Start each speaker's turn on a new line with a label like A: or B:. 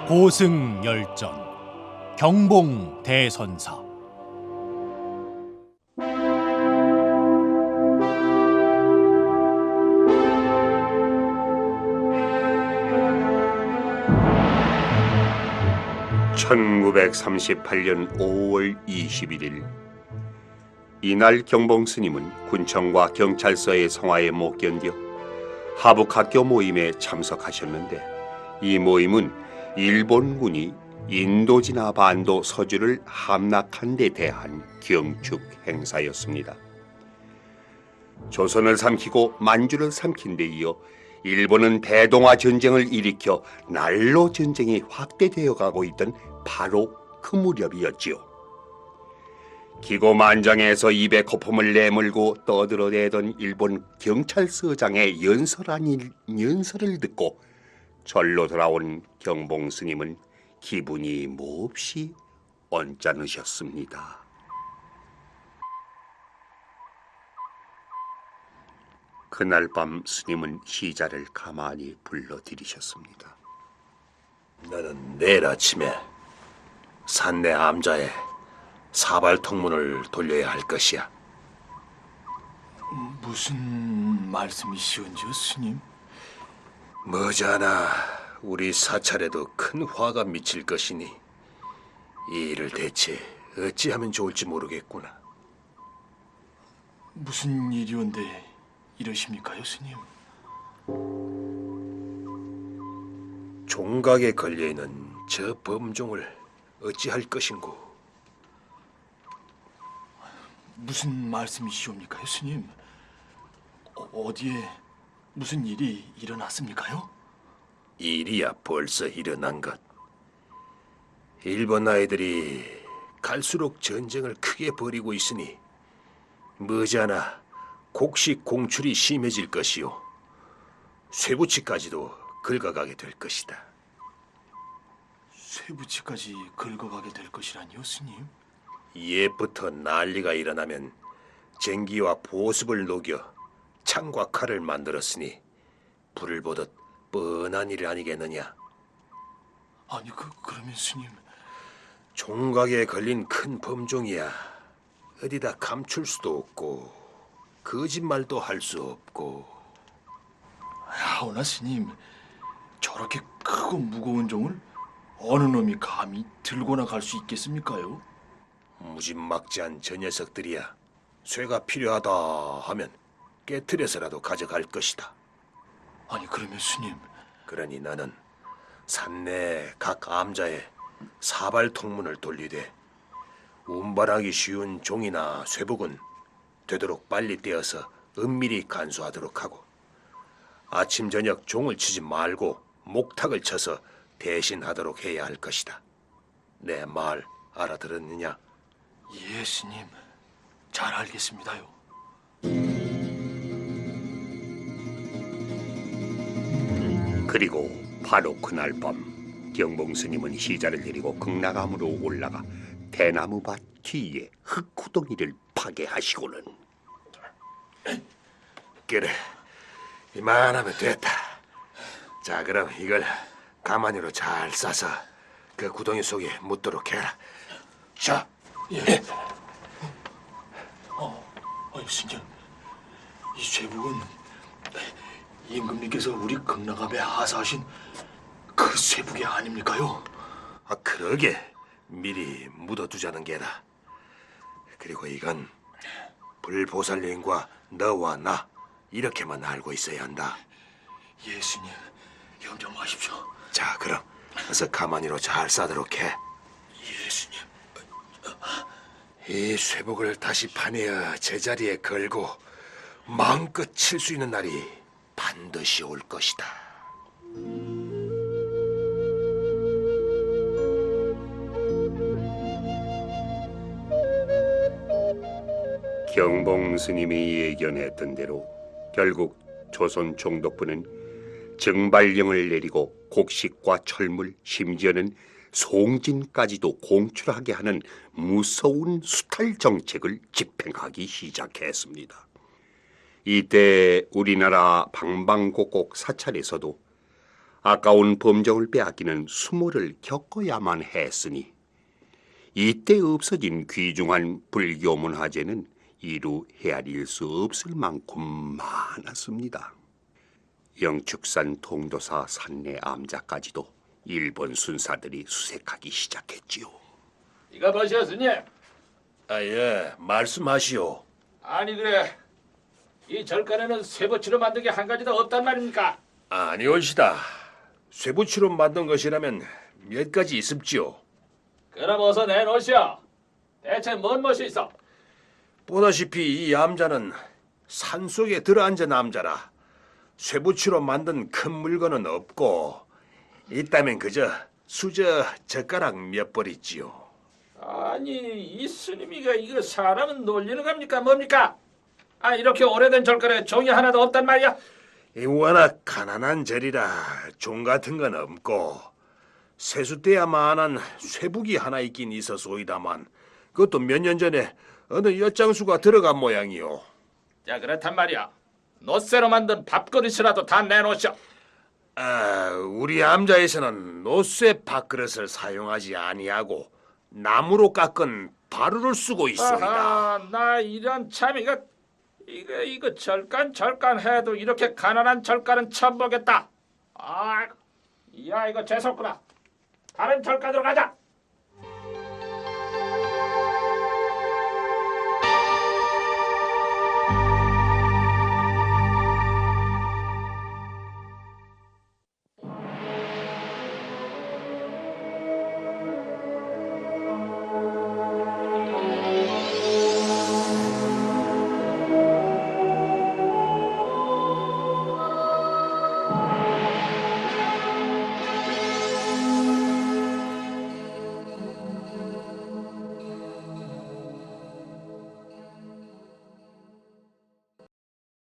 A: 고승열전 경봉 대선사.
B: (1938년 5월 21일) 이날 경봉 스님은 군청과 경찰서의 성화에 못 견뎌 하북학교 모임에 참석하셨는데, 이 모임은 일본군이 인도지나 반도 서주를 함락한 데 대한 경축 행사였습니다. 조선을 삼키고 만주를 삼킨 데 이어 일본은 대동아 전쟁을 일으켜 난로 전쟁이 확대되어 가고 있던 바로 그 무렵이었지요. 기고만장해서 입에 거품을 내물고 떠들어대던 일본 경찰서장의 연설 아닌 연설을 듣고 절로 돌아온 경봉 스님은 기분이 몹시 언짢으셨습니다. 그날 밤 스님은 시자를 가만히 불러들이셨습니다.
C: 나는 내일 아침에 산내 암자에 사발통문을 돌려야 할 것이야.
D: 무슨 말씀이시온지요, 스님?
C: 머지않아 우리 사찰에도 큰 화가 미칠 것이니 이 일을 대체 어찌하면 좋을지 모르겠구나.
D: 무슨 일이온데 이러십니까요, 스님?
C: 종각에 걸려있는 저 범종을 어찌할 것인고.
D: 무슨 말씀이시옵니까요, 스님? 어디에 무슨 일이 일어났습니까요?
C: 일이야 벌써 일어난 것. 일본 아이들이 갈수록 전쟁을 크게 벌이고 있으니 머지않아 곡식 공출이 심해질 것이요, 쇠붙이까지도 긁어가게 될 것이다.
D: 쇠붙이까지 긁어가게 될 것이라니요, 스님?
C: 옛부터 난리가 일어나면 쟁기와 보습을 녹여 창과 칼을 만들었으니 불을 보듯 뻔한 일 아니겠느냐.
D: 아니, 그러면 스님...
C: 종각에 걸린 큰 범종이야 어디다 감출 수도 없고 거짓말도 할 수 없고.
D: 하오나 스님, 저렇게 크고 무거운 종을 어느 놈이 감히 들고 나갈 수 있겠습니까요?
C: 무지막지한 저 녀석들이야 쇠가 필요하다 하면 깨트려서라도 가져갈 것이다.
D: 아니, 그러면 스님...
C: 그러니 나는 산내 각 암자에 사발통문을 돌리되 운반하기 쉬운 종이나 쇠복은 되도록 빨리 떼어서 은밀히 간수하도록 하고, 아침 저녁 종을 치지 말고 목탁을 쳐서 대신하도록 해야 할 것이다. 내 말 알아들었느냐?
D: 예, 스님. 잘 알겠습니다요.
B: 그리고 바로 그날 밤 경봉 스님은 시자를 데리고 극락암으로 올라가 대나무밭 뒤에 흙구덩이를 파괴하시고는,
C: 그래, 이만하면 됐다. 자, 그럼 이걸 가마니로 잘 싸서 그 구덩이 속에 묻도록 해라. 자,
D: 예. 스님, 이 쇠북은 임금님께서 우리 극락암에 하사하신 그 쇠북이 아닙니까요?
C: 아, 그러게 미리 묻어두자는 게다. 그리고 이건 불보살님과 너와 나 이렇게만 알고 있어야 한다.
D: 예, 스님. 염려마십시오.
C: 자, 그럼 어서 가마니로 잘 싸도록 해.
D: 예, 스님.
C: 이 쇠복을 다시 파내어 제자리에 걸고 마음껏 칠 수 있는 날이 반드시 올 것이다.
B: 경봉 스님이 예견했던 대로 결국 조선 총독부는 증발령을 내리고 곡식과 철물, 심지어는 송진까지도 공출하게 하는 무서운 수탈 정책을 집행하기 시작했습니다. 이때 우리나라 방방곡곡 사찰에서도 아까운 범정을 빼앗기는 수모를 겪어야만 했으니 이때 없어진 귀중한 불교 문화재는 이루 헤아릴 수 없을 만큼 많았습니다. 영축산 통도사 산내 암자까지도 일본 순사들이 수색하기 시작했지요.
E: 이거 보시오 스님.
C: 예, 말씀하시오.
E: 아니 그래 이 절간에는 쇠붙이로 만든 게 한 가지도 없단 말입니까?
C: 아니올시다. 쇠붙이로 만든 것이라면 몇 가지 있습지요.
E: 그럼 어서 내놓으시오. 대체 뭔 멋이 있어?
C: 보다시피 이 암자는 산속에 들어앉은 암자라 쇠붙이로 만든 큰 물건은 없고 있다면 그저 수저 젓가락 몇 벌 있지요.
E: 아니 이 스님이가 이거 사람은 놀리는 겁니까 뭡니까? 아 이렇게 오래된 절간에 종이 하나도 없단 말이야?
C: 이 워낙 가난한 절이라 종 같은 건 없고 세숫대야만한 쇠북이 하나 있긴 있어소이다만 그것도 몇 년 전에 어느 엿장수가 들어간 모양이요.
E: 자 그렇단 말이야. 노쇠로 만든 밥그릇이라도 다 내놓으시오.
C: 우리 암자에서는 노쇠 밥그릇을 사용하지 아니하고 나무로 깎은 바루를 쓰고 있소이다.
E: 아하, 나 이런 참 이거 절간 해도 이렇게 가난한 절간은 처음 보겠다. 아, 야 이거 재수없구나. 다른 절간으로 가자.